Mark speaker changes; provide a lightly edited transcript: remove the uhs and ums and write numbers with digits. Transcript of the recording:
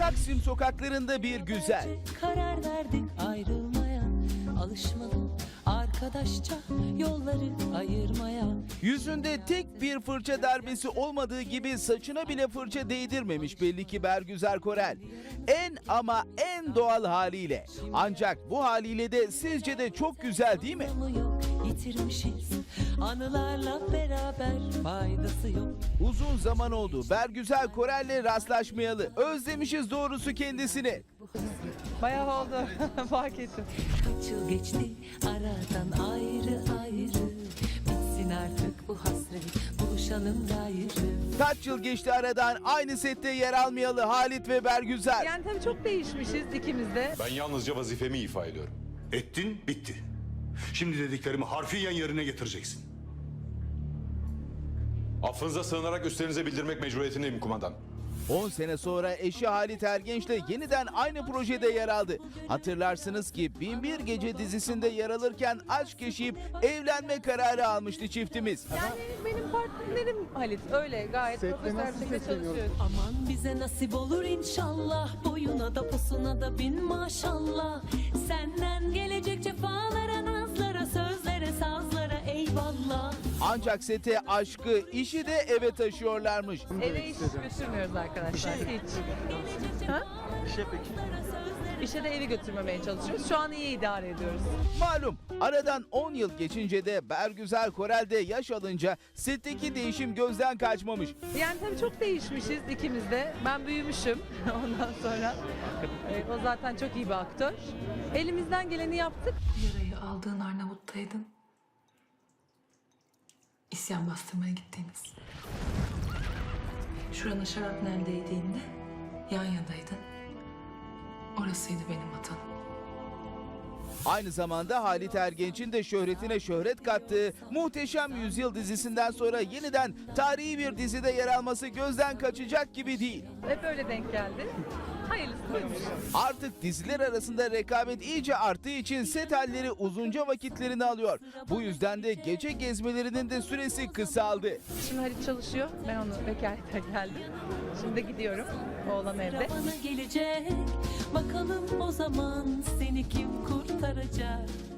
Speaker 1: Taksim sokaklarında bir güzel.
Speaker 2: Karar verdik ayrılmaya, alışmalı arkadaşça yolları ayırmaya.
Speaker 1: Yüzünde tek bir fırça darbesi olmadığı gibi saçına bile fırça değdirmemiş belli ki Bergüzar Korel. En doğal haliyle. Ancak bu haliyle de sizce de çok güzel değil mi?
Speaker 2: Yok, yitirmişiz anılarla beraber, faydası yok.
Speaker 1: Uzun zaman oldu Bergüzar Korel'le rastlaşmayalı. Özlemişiz doğrusu kendisini.
Speaker 3: Bayağı oldu. Fark ettim.
Speaker 2: Kaç yıl geçti aradan ayrı ayrı, bitsin artık bu hasret, buluşalım gayrı.
Speaker 1: Kaç yıl geçti aradan aynı sette yer almayalı Halit ve Bergüzar.
Speaker 3: Yani tabii çok değişmişiz ikimiz de.
Speaker 4: Ben yalnızca vazifemi ifa ediyorum.
Speaker 5: Ettin, bitti. Şimdi dediklerimi harfiyen yerine getireceksin.
Speaker 4: Affınıza sığınarak üstlerinize bildirmek mecburiyetindeyim kumandan.
Speaker 1: 10 sene sonra eşi Halit Ergenç'le yeniden aynı projede yer aldı. Hatırlarsınız ki Binbir Gece dizisinde yer alırken aşk yaşayıp evlenme kararı almıştı çiftimiz.
Speaker 3: Yani benim partnerim Halit. Öyle gayet profesyonel bir şekilde çalışıyoruz.
Speaker 2: Aman bize nasip olur inşallah, boyuna da posuna da bin maşallah. Senden gelecek cefalara, nazlara, sözlere, sazlara eyvallah.
Speaker 1: Ancak sete aşkı, işi de eve taşıyorlarmış.
Speaker 3: Eve iş götürmüyoruz arkadaşlar. Hiç. Ha? İşe de evi götürmemeye çalışıyoruz. Şu an iyi idare ediyoruz.
Speaker 1: Malum aradan 10 yıl geçince de Bergüzar Korel de yaş alınca setteki değişim gözden kaçmamış.
Speaker 3: Yani tabii çok değişmişiz ikimiz de. Ben büyümüşüm ondan sonra. O zaten çok iyi bir aktör. Elimizden geleni yaptık.
Speaker 6: Yarayı aldığın Arnavut'taydın. İsyan bastırmaya gittiğimiz. Şurana şarapnel değdiğinde yan yanaydın. Orasıydı benim vatanım.
Speaker 1: Aynı zamanda Halit Ergenç'in de şöhretine şöhret kattığı Muhteşem Yüzyıl dizisinden sonra yeniden tarihi bir dizide yer alması gözden kaçacak gibi değil.
Speaker 3: Hep öyle denk geldi. Hayırlısı buymuş.
Speaker 1: Artık diziler arasında rekabet iyice arttığı için set halleri uzunca vakitlerini alıyor. Bu yüzden de gece gezmelerinin de süresi kısaldı.
Speaker 3: Şimdi Halit çalışıyor. Ben onu vekalete geldim. Şimdi de gidiyorum. Oğlan evde.
Speaker 2: Bana gelecek, bakalım o zaman seni kim kurtaracak?